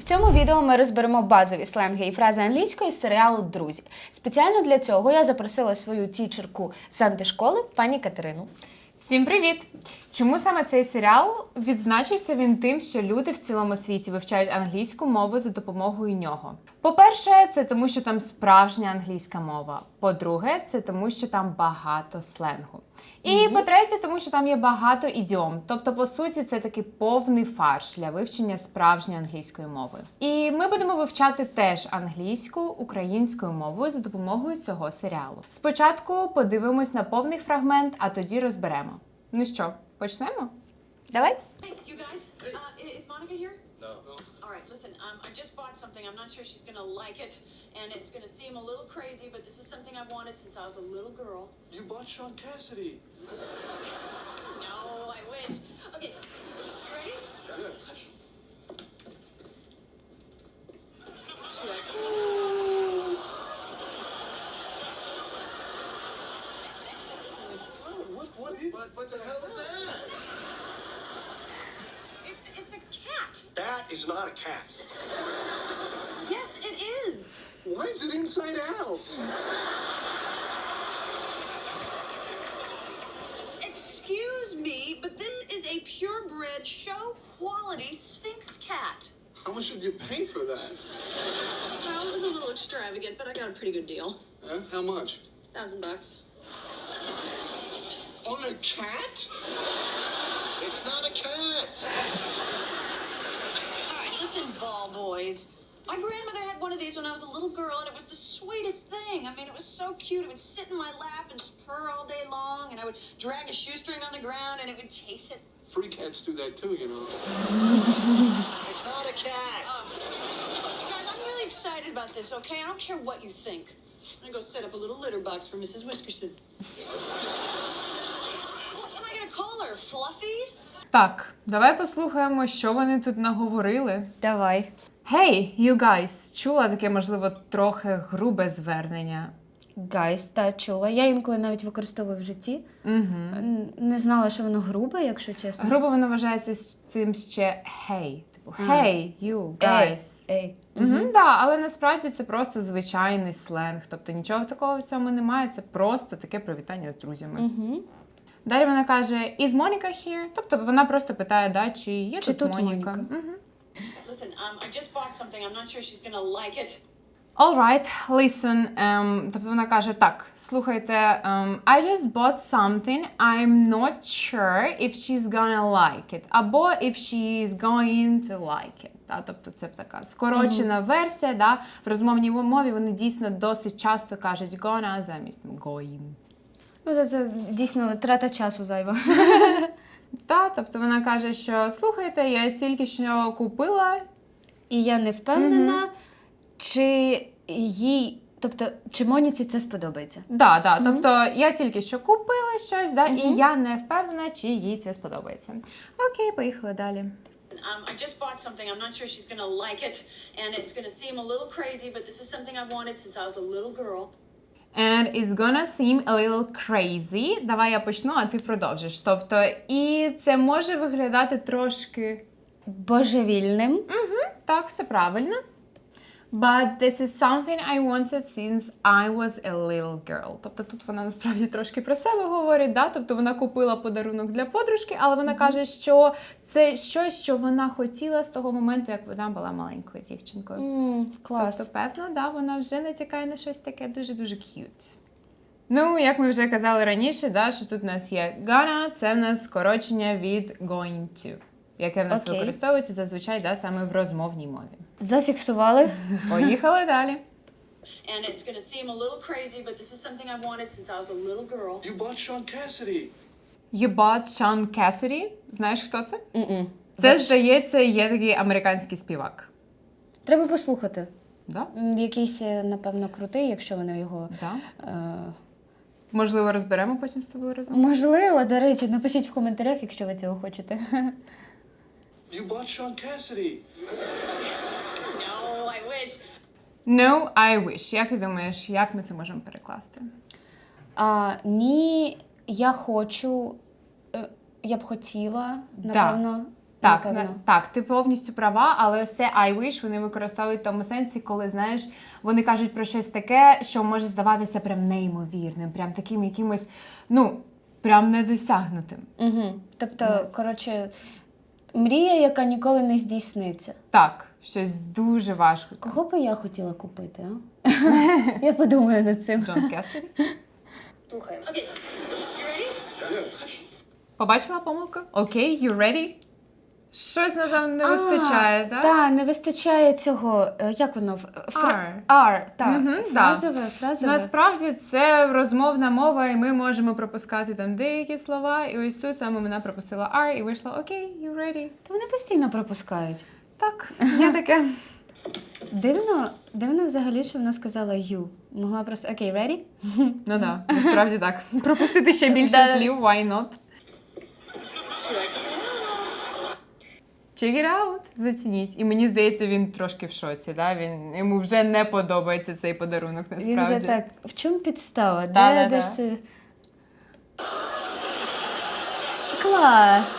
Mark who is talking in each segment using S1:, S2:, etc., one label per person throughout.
S1: цьому відео ми розберемо базові сленги і фрази англійської з серіалу «Друзі». Спеціально для цього я запросила свою тічерку з антишколи, пані Катерину.
S2: Всім привіт! Чому саме цей серіал? Відзначився він тим, що люди в цілому світі вивчають англійську мову за допомогою нього. По-перше, це тому, що там справжня англійська мова. По-друге, це тому, що там багато сленгу. І по-третє, тому що там є багато ідіом. Тобто, по суті, це такий повний фарш для вивчення справжньої англійської мови. І ми будемо вивчати теж англійську українською мовою за допомогою цього серіалу. Спочатку подивимось на повний фрагмент, а тоді розберемо. Ну що, почнемо?
S1: Давай.
S3: Hey, you guys, is Monica here? No. All right, listen, I just bought something. I'm not sure she's gonna like it, and it's gonna seem a little crazy, but this is something I've wanted since I was a little girl.
S4: You bought Sean Cassidy.
S3: No, I wish. Okay, you ready?
S4: Good.
S3: Check.
S4: Oh, what is? What the hell is that?
S3: It's a cat.
S4: That is not a cat.
S3: Yes, it is.
S4: Why is it inside out?
S3: Excuse me, but this is a purebred show quality Sphinx cat.
S4: How much did you pay for that?
S3: Well, it was a little extravagant, but I got a pretty good deal.
S4: Huh? How much?
S3: $1,000.
S4: On a cat? It's not a cat.
S3: All right, listen, ball boys. My grandmother had one of these when I was a little girl, and it was the sweetest thing. I mean, it was so cute. It would sit in my lap and just purr all day long, and I would drag a shoestring on the ground, and it would chase it.
S4: Free cats do that too, you know. It's not a cat.
S3: You guys, I'm really excited about this, okay? I don't care what you think. I'm gonna go set up a little litter box for Mrs. Whiskerson. What am I gonna call her? Fluffy?
S2: Так, давай послухаємо, що вони тут наговорили.
S1: Давай.
S2: Hey, you guys! Чула таке, можливо, трохи грубе звернення?
S1: Guys, та чула. Я інколи навіть використовую в житті. Не знала, що воно грубе, якщо чесно.
S2: Грубо воно вважається з цим ще hey. Типу hey, you, guys.
S1: Ей.
S2: Да, але насправді це просто звичайний сленг. Тобто нічого такого в цьому немає, це просто таке привітання з друзями. Далі вона каже, is Monica here? Тобто вона просто питає, да, чи є
S1: Чи
S2: тут
S1: тут
S2: Моніка.
S1: Моніка?
S3: Listen, I just bought something. I'm not sure she's gonna like it.
S2: All right, listen. Тобто вона каже, так, слухайте, I just bought something, I'm not sure if she's gonna like it. Або if she's going to like it. Да? Тобто це така скорочена версія. Да? В розмовній мові вони дійсно досить часто кажуть gonna замість going.
S1: Ну, це дійсно трата часу зайва.
S2: Та, тобто вона каже, що слухайте, я тільки що купила.
S1: І я не впевнена, чи їй, тобто, чи Моніці це сподобається.
S2: Да, тобто я тільки що купила щось, да, і я не впевнена, чи їй це сподобається. Окей, поїхали далі.
S3: I just bought something. I'm not sure she's gonna like it, and it's gonna seem a little crazy, but this is something I've wanted since I was a little girl.
S2: And it's gonna seem a little crazy. Давай я почну, а ти продовжиш. Тобто, і це може виглядати трошки...
S1: Божевільним.
S2: Так, все правильно. But this is something I wanted since I was a little girl. Тобто тут вона насправді трошки про себе говорить, да? Тобто вона купила подарунок для подружки, але вона каже, що це щось, що вона хотіла з того моменту, як вона була маленькою дівчинкою.
S1: Клас.
S2: Тобто, певно, да, вона вже натякає на щось таке дуже-дуже cute. Ну, як ми вже казали раніше, да, що тут у нас є gonna, це в нас скорочення від going to, яке в нас
S1: Окей.
S2: використовується зазвичай, да, саме в розмовній мові.
S1: Зафіксували.
S2: Поїхали далі.
S3: And it's gonna seem a little crazy, but this is something I've wanted since I was a little girl.
S4: You bought Sean Cassidy.
S2: You bought Sean Cassidy. Знаєш, хто це? Це, здається, є такий американський співак.
S1: Треба послухати.
S2: Да?
S1: Якийсь, напевно, крутий, якщо вони його...
S2: Да. Можливо, розберемо потім з тобою разом?
S1: Можливо, до речі, напишіть в коментарях, якщо ви цього хочете.
S4: You bought Sean Cassidy.
S3: No, I wish.
S2: No, I wish. Як ти думаєш, як ми це можемо перекласти?
S1: Ні, я хочу, я б хотіла, напевно.
S2: Так,
S1: напевно.
S2: так, ти повністю права, але ось це I wish вони використовують в тому сенсі, коли, знаєш, вони кажуть про щось таке, що може здаватися прям неймовірним, прям таким якимось, ну, прям недосягнутим.
S1: Угу. Тобто, коротше, мрія, яка ніколи не здійсниться.
S2: Так, щось дуже важко.
S1: Кого би я хотіла купити, а? Я подумаю над цим.
S2: Джон Кесарі.
S3: Okay. Okay. You ready?
S2: Побачила помилку? Окей, you ready? Щось, напевно, не вистачає, так?
S1: Так, не вистачає цього, як воно?
S2: R.
S1: R, так.
S2: Мгм,
S1: Фразове.
S2: Насправді це розмовна мова, і ми можемо пропускати там деякі слова. І ось тут саме вона пропустила R і вийшла окей, you ready.
S1: Та вони постійно пропускають.
S2: Так, є таке.
S1: Дивно взагалі, що вона сказала you. Могла просто окей, ready?
S2: Ну так, насправді так. Пропустити ще більше
S1: Да-да.
S2: слів, why not? Check it out, зацініть. І мені здається, він трошки в шоці, да? Йому вже не подобається цей подарунок, насправді.
S1: Він вже так, в чому підстава?
S2: Да-да-да.
S1: Де ж це? Клас!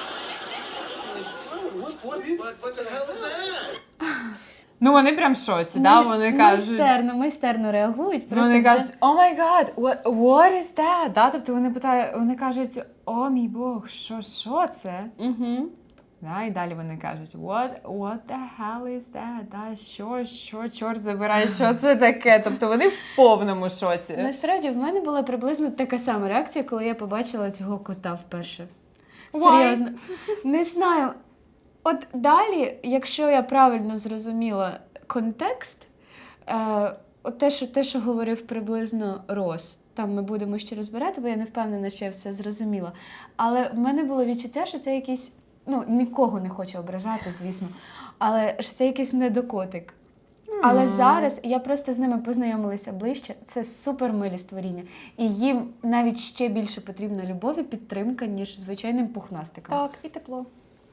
S4: What is? What the hell is that?
S2: Ну, вони прям в шоці, да? Вони кажуть...
S1: Майстерно реагують. Просто
S2: Вони
S1: вже-
S2: кажуть, oh my god, what is that? Да? Тобто вони кажуть, о мій Бог, що це?
S1: Мгм.
S2: Да, і далі вони кажуть, what the hell is that? Да, що, чорт забирай, що це таке? Тобто вони в повному шоці.
S1: Насправді, в мене була приблизно така сама реакція, коли я побачила цього кота вперше.
S2: Why?
S1: Серйозно. Не знаю. От далі, якщо я правильно зрозуміла контекст, от те, що говорив приблизно Рос, там ми будемо ще розбирати, бо я не впевнена, що я все зрозуміла. Але в мене було відчуття, що це якийсь, ну, нікого не хочу ображати, звісно, але що це якийсь недокотик. Але зараз я просто з ними познайомилася ближче. Це супер милі створіння. І їм навіть ще більше потрібна любов і підтримка, ніж звичайним пухнастикам.
S2: Так, і тепло.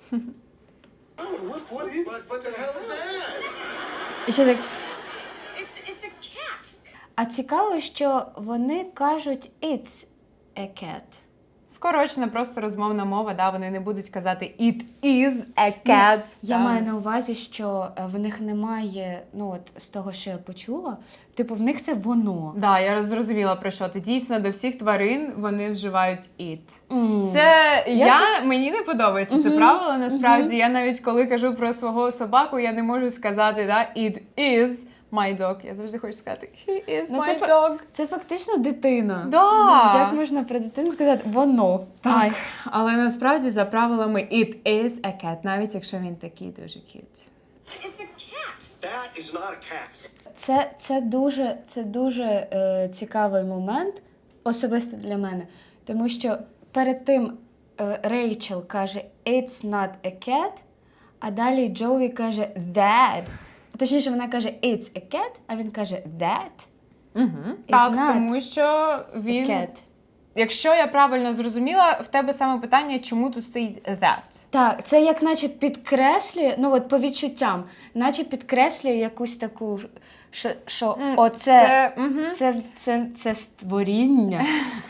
S4: What is? What the hell is that?
S1: І ще так.
S3: It's a cat.
S1: А цікаво, що вони кажуть «it's a cat».
S2: Скорочена просто розмовна мова, да, вони не будуть казати it is a cat.
S1: Я
S2: да.
S1: маю на увазі, що в них немає, ну от з того, що я почула, типу в них це воно.
S2: Да, я зрозуміла про що ти. Дійсно, до всіх тварин вони вживають it.
S1: М.
S2: Це мені не подобається це правило. Насправді, я навіть коли кажу про свого собаку, я не можу сказати, да, it is my dog. Я завжди хочу сказати he is
S1: Ну,
S2: my dog.
S1: Це фактично дитина.
S2: Да.
S1: Як можна про дитину сказати воно?
S2: Так,
S1: Ай.
S2: але насправді за правилами it is a cat, навіть якщо він такий дуже cute.
S3: It's a cat.
S4: That is not a cat.
S1: Це дуже цікавий момент, особисто для мене. Тому що перед тим Рейчел каже «It's not a cat», а далі Джоуі каже «that». Точніше, вона каже «It's a cat», а він каже «that».
S2: Так,
S1: not
S2: тому що він...
S1: Cat.
S2: Якщо я правильно зрозуміла, в тебе саме питання, чому тут стоїть that?
S1: Так, це як наче підкреслює, ну от по відчуттям, наче підкреслює якусь таку, що оце, це створіння.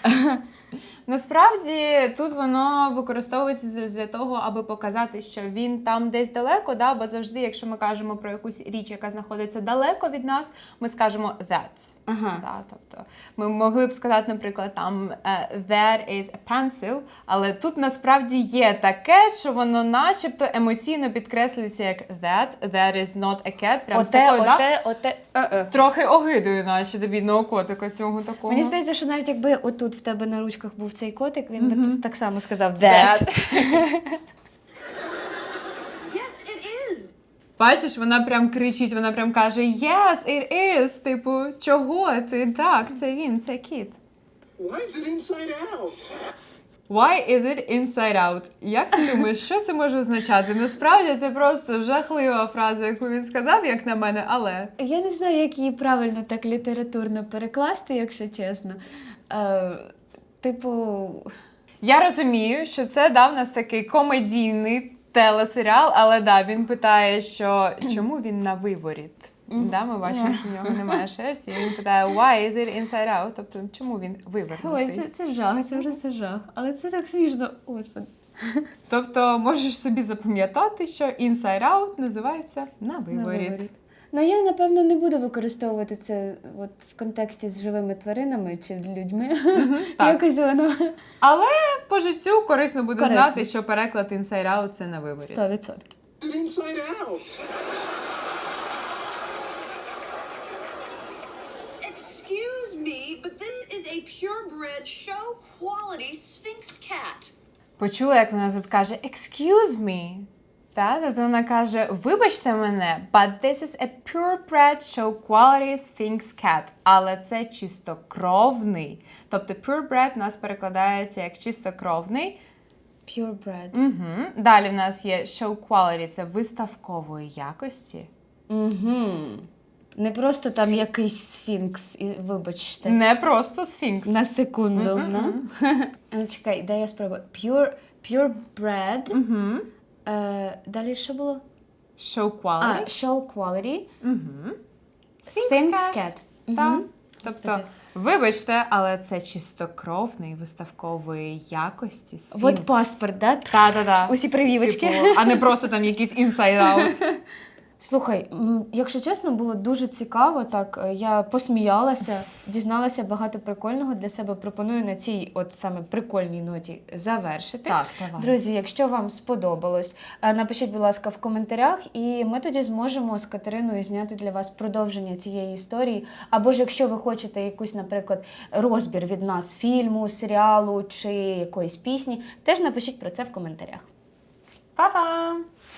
S2: Насправді тут воно використовується для того, аби показати, що він там десь далеко, да? Бо завжди, якщо ми кажемо про якусь річ, яка знаходиться далеко від нас, ми скажемо that.
S1: Ага.
S2: Да? Тобто ми могли б сказати, наприклад, там there is a pencil, але тут насправді є таке, що воно начебто емоційно підкреслюється як that is not a cat. Прям з такою, да? Трохи огидою, наче до бідного котика цього такого.
S1: Мені здається, що навіть якби отут в тебе на ручках був цей котик, він би так само сказав that.
S3: Yes, it is.
S2: Бачиш, вона прям кричить, вона прям каже yes, it is, типу, чого ти? Так, це він, це кіт.
S4: Why is it inside out?
S2: Why is it inside out? Як ти думаєш, що це може означати? Насправді це просто жахлива фраза, яку він сказав, як на мене, але...
S1: Я не знаю, як її правильно так літературно перекласти, якщо чесно. Типу,
S2: Я розумію, що це дав нас такий комедійний телесеріал, але да, він питає, що чому він на виворіт? Да, ми бачимо, що в нього немає шерсті, і він питає, why is it inside out? Тобто, чому він вивернутий?
S1: ой, це жах, це просто жах. Але це так смішно, господи.
S2: Тобто можеш собі запам'ятати, що Inside Out називається «На виворіт».
S1: Ну, я, напевно, не буду використовувати це от в контексті з живими тваринами чи людьми.
S2: так.
S1: Якось воно
S2: Але по життю корисно буде
S1: Корисно.
S2: знати, що переклад Inside Out – це «На виворіт».
S1: 100%.
S4: It's inside out.
S3: Excuse me, but this is a purebred show quality Sphinx cat.
S2: Почула, як вона тут каже «excuse me». Тобто вона каже «вибачте мене, but this is a purebred show quality Sphinx cat». Але це чистокровний. Тобто purebred у нас перекладається як чистокровний.
S1: Purebred.
S2: Угу. Далі в нас є show quality – це виставкової якості.
S1: Угу. Не просто там якийсь сфінкс, і вибачте.
S2: Не просто сфінкс.
S1: На секунду.
S2: Мгм.
S1: Ну, чекай, дай я спробую. Purebred.
S2: Угу.
S1: Далі що було?
S2: Show
S1: А,
S2: quality.
S1: show quality.
S2: Угу.
S1: Sphinx cat.
S2: Так.
S1: Мгм.
S2: Тобто,
S1: Господи.
S2: вибачте, але це чистокровний виставкової якості сфінкс.
S1: От паспорт, да?
S2: Та-та-та.
S1: Усі прививочки.
S2: Типу, а не просто там якийсь inside out.
S1: Слухай, якщо чесно, було дуже цікаво. Так, я посміялася, дізналася багато прикольного для себе. Пропоную на цій от саме прикольній ноті завершити.
S2: Так, давай.
S1: Друзі, якщо вам сподобалось, напишіть, будь ласка, в коментарях, і ми тоді зможемо з Катериною зняти для вас продовження цієї історії. Або ж якщо ви хочете якусь, наприклад, розбір від нас фільму, серіалу чи якоїсь пісні, теж напишіть про це в коментарях.
S2: Па-па!